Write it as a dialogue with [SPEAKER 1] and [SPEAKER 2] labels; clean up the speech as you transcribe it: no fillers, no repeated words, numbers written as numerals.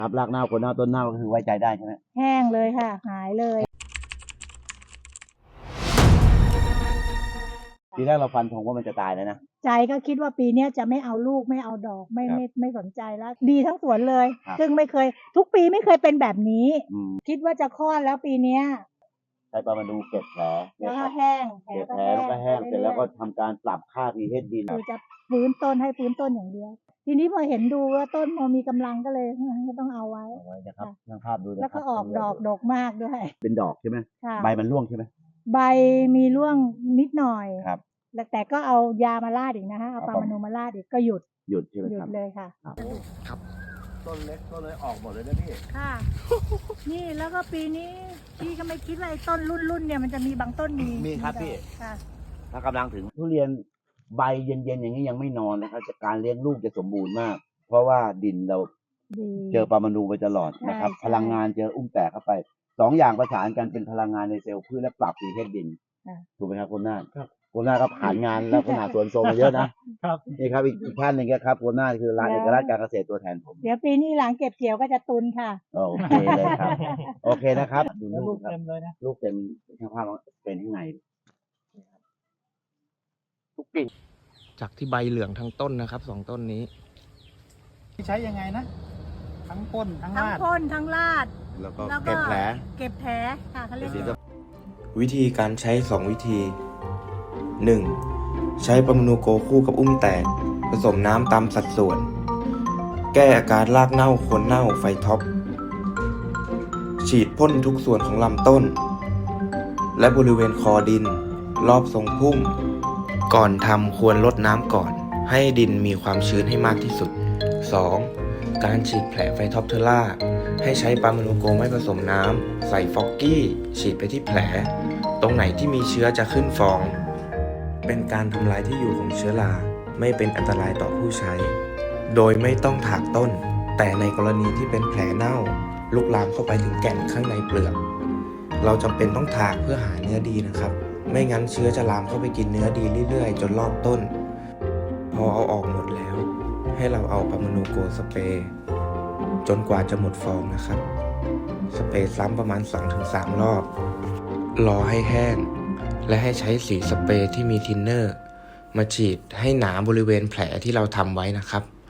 [SPEAKER 1] ครับรากเน่าคนเน่าต้นเน่าก็คือไว้ใจได้ใช่ไหม
[SPEAKER 2] แห้งเลยค่ะหายเลย
[SPEAKER 1] ทีแรกเราฟันธงว่ามันจะตายแล้วนะ
[SPEAKER 2] ใจก็คิดว่าปีนี้จะไม่เอาลูกไม่เอาดอกไม่สนใจแล้วดีทั้งสวนเลย ซึ่งไม่เคยทุกปีไม่เคยเป็นแบบนี้คิดว่าจะคลอดแล้วปีเนี้ย
[SPEAKER 1] ใช้ปลามาดูเก็บแผล
[SPEAKER 2] แล้วก็แห้ง
[SPEAKER 1] เก็บแผลแล้วก็แห้งเสร็จแล้วก็ทำการปรับค่า pH ดิน
[SPEAKER 2] คือจะฟื้นต้นให้ฟื้นต้นอย่างเดียวทีนี้พอเห็นดูว่าต้นพอมีกำลังก็เลยก็ต้องเอาไว้
[SPEAKER 1] นะครับช่างภาพดู
[SPEAKER 2] แล้วก็ออกดอกดกมากด้วย
[SPEAKER 1] เป็นดอกใช่ไหมใบมันร่วงใช่ไหม
[SPEAKER 2] ใบมีร่วงนิดหน่อย
[SPEAKER 1] ครับ
[SPEAKER 2] แต่ก็เอายามาราดอีกนะฮะเอาปลามานูมาราดอีกก็หยุด
[SPEAKER 1] ใช่ไหม
[SPEAKER 2] หยุ
[SPEAKER 1] ครั
[SPEAKER 2] ด
[SPEAKER 1] บ
[SPEAKER 2] เลยค่ะ
[SPEAKER 1] ครับต้นเล็กต้นเลยออกหมดเลยนะพี่
[SPEAKER 2] ค่ะนี่แล้วก็ปีนี้พี่ก็ไม่คิดว่าไอ้ต้นรุ่นเนี่ยมันจะมีบางต้น
[SPEAKER 1] มีครับพี่
[SPEAKER 2] ค่ะ
[SPEAKER 1] ถ้ากำลังถึงทุเรียนใบเย็นๆอย่างนี้ยังไม่นอนนะครับการเลี้ยงลูกจะสมบูรณ์มากเพราะว่าดินเราเจอปลามานูไปตลอดนะครับพลังงานเจออุ้มแตกเข้าไป2 อย่างประสานกันเป็นพลังงานในเซลล์พืชและปรับ pH ดินถูกไหมครับคุณนาฏคุณนาฏก็ผ่านงานแล้วคุณนาฏสวนโซมาเยอะนะครับนี่ครับอีกท่านหนึ่งครับคุณนาฏคือร้านเอกลักษณ์การเกษตรตัวแทนผม
[SPEAKER 2] เดี๋ยวปีนี้หลังเก็บเกี่ยวก็จะตุนค่ะ
[SPEAKER 1] โอเคเลยครับโอเคนะครับดู
[SPEAKER 3] ลูกเต็มเลยนะ
[SPEAKER 1] ลูกเต็มช่างภาพเป็นข้างในทุกกิ่ง
[SPEAKER 4] จากที่ใบเหลืองทั้งต้นนะครับ2 ต้นนี้
[SPEAKER 3] ใช้ยังไงนะทั้งพ่นทั้ง
[SPEAKER 2] ทั้ง
[SPEAKER 3] ราด
[SPEAKER 2] พ่นทั้งราด
[SPEAKER 1] แล้วก็เก็บแผล
[SPEAKER 2] ค่ะเขาเรียก
[SPEAKER 4] วิธีการใช้2 วิธี 1. ใช้ปามานูโกคู่กับอุ้มแตกผสมน้ำตามสัดส่วนแก้อาการรากเน่าโคนเน่าไฟท็อปฉีดพ่นทุกส่วนของลำต้นและบริเวณคอดินรอบทรงพุ่มก่อนทำควรลดน้ำก่อนให้ดินมีความชื้นให้มากที่สุด 2. การฉีดแผลไฟท็อปเทอร่าให้ใช้ปามานูโกไม่ผสมน้ำใส่ฟอกกี้ฉีดไปที่แผลตรงไหนที่มีเชื้อจะขึ้นฟองเป็นการทำลายที่อยู่ของเชื้อราไม่เป็นอันตรายต่อผู้ใช้โดยไม่ต้องถากต้นแต่ในกรณีที่เป็นแผลเน่าลุกลามเข้าไปถึงแก่นข้างในเปลือกเราจำเป็นต้องถากเพื่อหาเนื้อดีนะครับไม่งั้นเชื้อจะลามเข้าไปกินเนื้อดีเรื่อยๆจนรอบต้นพอเอาออกหมดแล้วให้เราเอาปามานูโกสเปรย์จนกว่าจะหมดฟองนะครับสเปรย์ซ้ำประมาณ 2-3 รอบรอให้แห้งและให้ใช้สีสเปรย์ที่มีทินเนอร์มาฉีดให้หนาบริเวณแผลที่เราทำไว้นะครับ